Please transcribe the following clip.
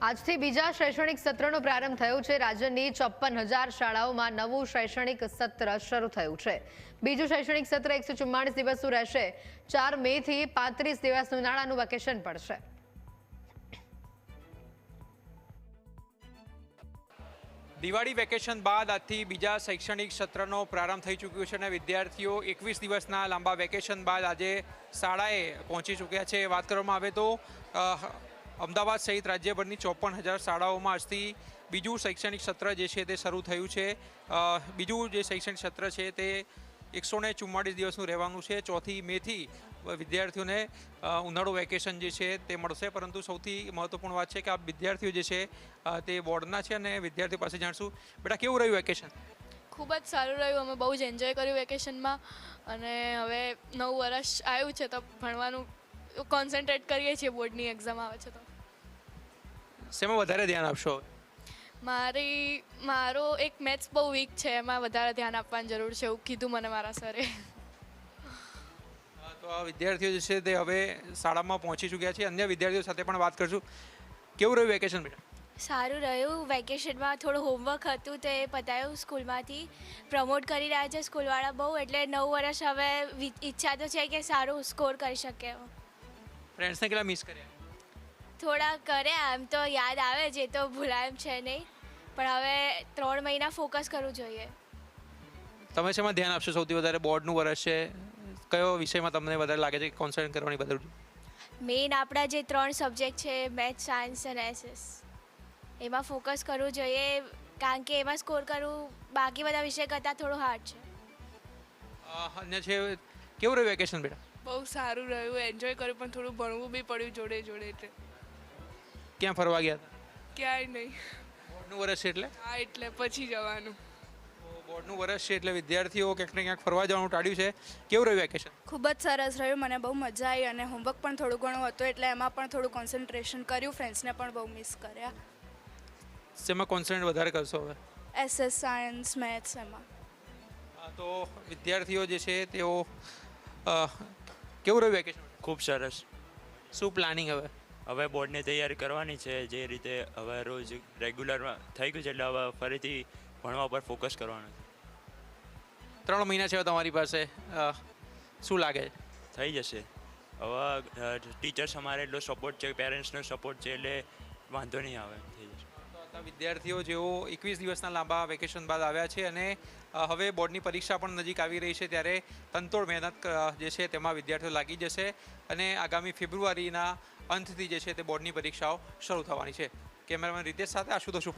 આજથી બીજા શૈક્ષણિક સત્રનો પ્રારંભ થયો છે। રાજ્યની 54,000 શાળાઓમાં નવું શૈક્ષણિક સત્ર શરૂ થયું છે। બીજું શૈક્ષણિક સત્ર 144 દિવસનું રહેશે। 4 મે થી 35 દિવસનું ઉનાળાનું વેકેશન પડશે। દિવાળી વેકેશન બાદ આજથી બીજા શૈક્ષણિક સત્રનો પ્રારંભ થઈ ચૂક્યો છે અને વિદ્યાર્થીઓ 21 દિવસના લાંબા વેકેશન બાદ આજે શાળાએ પહોંચી ચૂક્યા છે। વાત કરવામાં આવે તો અમદાવાદ સહિત રાજ્યભરની 54,000 શાળાઓમાં આજથી બીજું શૈક્ષણિક સત્ર જે છે તે શરૂ થયું છે। બીજું જે શૈક્ષણિક સત્ર છે તે 144 દિવસનું રહેવાનું છે। 4 મેથી વિદ્યાર્થીઓને ઉનાળુ વેકેશન જે છે તે મળશે। પરંતુ સૌથી મહત્વપૂર્ણ વાત છે કે આ વિદ્યાર્થીઓ જે છે તે બોર્ડના છે અને વિદ્યાર્થીઓ પાસે જાણશું। બેટા, કેવું રહ્યું વેકેશન? ખૂબ જ સારું રહ્યું। અમે બહુ જ એન્જોય કર્યું વેકેશનમાં અને હવે નવું વર્ષ આવ્યું છે તો ભણવાનું કોન્સન્ટ્રેટ કરીએ છીએ। બોર્ડની એક્ઝામ આવે છે તો શેમાં વધારે ધ્યાન આપશો? મારો એક મેથ્સ બહુ વીક છે, એમાં વધારે ધ્યાન આપવાની જરૂર છે એવું કીધું મને મારા સરે। તો આ વિદ્યાર્થીઓ જે છે તે હવે શાળામાં પહોંચી ચૂક્યા છે। અન્ય વિદ્યાર્થીઓ સાથે પણ વાત કરશું। કેવું રહ્યું વેકેશન બેટા? સારું રહ્યું। વેકેશનમાં થોડું હોમવર્ક હતું તો એ પતાવ્યું સ્કૂલમાંથી। પ્રમોટ કરી રહ્યા છે સ્કૂલવાળા બહુ, એટલે નવું વર્ષ હવે ઈચ્છા તો છે કે સારું સ્કોર કરી શકે। ફ્રેન્ડ્સને કેટલા મિસ કર્યા? થોડા કર્યા, એમ તો યાદ આવે છે, તો ભૂલાય એમ છે નહીં, પણ હવે 3 મહિના ફોકસ કરવું જોઈએ। તમે શેમાં ધ્યાન આપશો સૌથી વધારે? બોર્ડનું વર્ષ છે, કયો વિષયમાં તમને વધારે લાગે છે કે કોન્સન્ટ્રેટ કરવાની જરૂર છે? મેઇન આપણા જે 3 સબ્જેક્ટ છે, મેથ્સ, સાયન્સ અને એસએસ, એમાં ફોકસ કરવું જોઈએ, કારણ કે એમાં સ્કોર કરવું બાકી બધા વિષય કરતાં થોડું હાર્ડ છે। અન્ય છે, કેવું રહ્યું વેકેશન બેટા? બહુ સારું રહ્યું, એન્જોય કર્યું, પણ થોડું ભણવું બી પડ્યું જોડે જોડે। એટલે ક્યાં ફરવા ગયા હતા? ક્યાંય નહીં। બોર્ડનું વર્ષ છે એટલે? હા, એટલે પછી જવાનું। બોર્ડનું વર્ષ છે એટલે વિદ્યાર્થીઓ ક્યાંક ને ક્યાંક ફરવા જવાનું ટાળ્યું છે। કેવું રહ્યું વેકેશન? ખૂબ જ સરસ રહ્યું, મને બહુ મજા આવી અને હોમવર્ક પણ થોડું ઘણું હતું એટલે એમાં પણ થોડું કોન્સન્ટ્રેશન કર્યું। ફ્રેન્ડ્સને પણ બહુ મિસ કર્યા। શેમાં કોન્સન્ટ્રેટ વધારે કરશો હવે? એસએસ, સાયન્સ, મેથ્સ એમાં। તો વિદ્યાર્થીઓ જે છે તેઓ કેવું રહ્યું વેકેશન? ખૂબ સરસ। શું પ્લાનિંગ હવે? હવે બોર્ડની તૈયારી કરવાની છે જે રીતે હવે રોજ રેગ્યુલરમાં થઈ ગયું છે, એટલે હવે ફરીથી ભણવા પર ફોકસ કરવાનું છે। 3 મહિના છે હવે તમારી પાસે, શું લાગે? થઈ જશે। હવે ટીચર્સ અમારે એટલો સપોર્ટ છે, પેરેન્ટ્સનો સપોર્ટ છે, એટલે વાંધો નહીં આવે, થઈ જશે। વિદ્યાર્થીઓ જેઓ 21 દિવસના લાંબા વેકેશન બાદ આવ્યા છે અને હવે બોર્ડની પરીક્ષા પણ નજીક આવી રહી છે, ત્યારે તનતોડ મહેનત જે છે તેમાં વિદ્યાર્થીઓ લાગી જશે અને આગામી ફેબ્રુઆરીના અંતથી જે છે તે બોર્ડની પરીક્ષાઓ શરૂ થવાની છે। કેમેરામેન રીતેશ સાથે આશુતોષ